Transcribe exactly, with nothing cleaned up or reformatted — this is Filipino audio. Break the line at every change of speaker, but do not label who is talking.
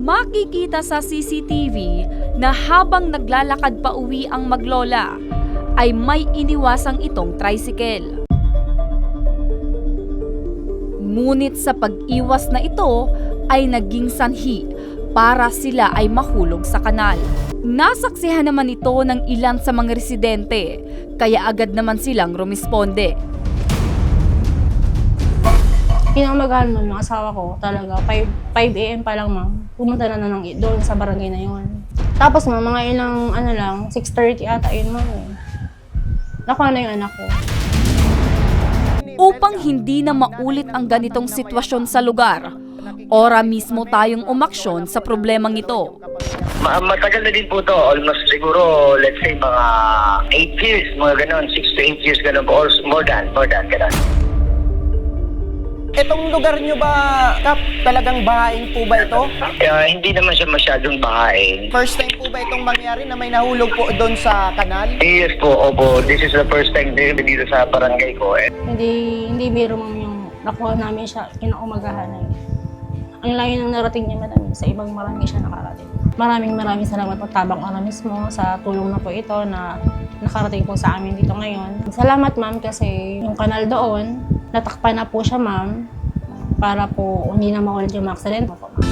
Makikita sa C C T V na habang naglalakad pa uwi ang maglola, ay may iniwasang itong tricycle. Ngunit sa pag-iwas na ito ay naging sanhi para sila ay mahulog sa kanal. Nasaksihan naman ito ng ilan sa mga residente, kaya agad naman silang rumisponde.
Pinamagahan nun yung asawa ko talaga, five a m pa lang ma'am, pumunta na na ng, doon sa barangay na yun. Tapos ma'am, mga ilang ano lang, six thirty ata yun ma'am eh. Nakuha na yung anak ko.
Upang hindi na maulit ang ganitong sitwasyon sa lugar, ora mismo tayong umaksyon sa problemang ito.
Ma matagal na din po to, almost siguro, let's say mga eight years, mga ganon, six to eight years ganon po, or more than, more than ganon.
Itong lugar nyo ba, Kap, talagang bahain po ba ito?
Uh, hindi naman siya masyadong bahain.
First time po ba itong mangyari na may nahulog po doon sa kanal?
Yes po, opo. This is the first time din dito sa barangay ko. Eh.
Hindi, hindi biro ma'am yung nakuha namin siya kinaumagahan na yun. Ang layo ng narating niya madami, sa ibang barangay siya nakarating. Maraming maraming salamat po Tabang Ora mismo sa tulong na po ito na nakarating po sa amin dito ngayon. Salamat ma'am kasi yung kanal doon, natakpan na po siya ma'am para po hindi na mawalan yung mga aksidente po.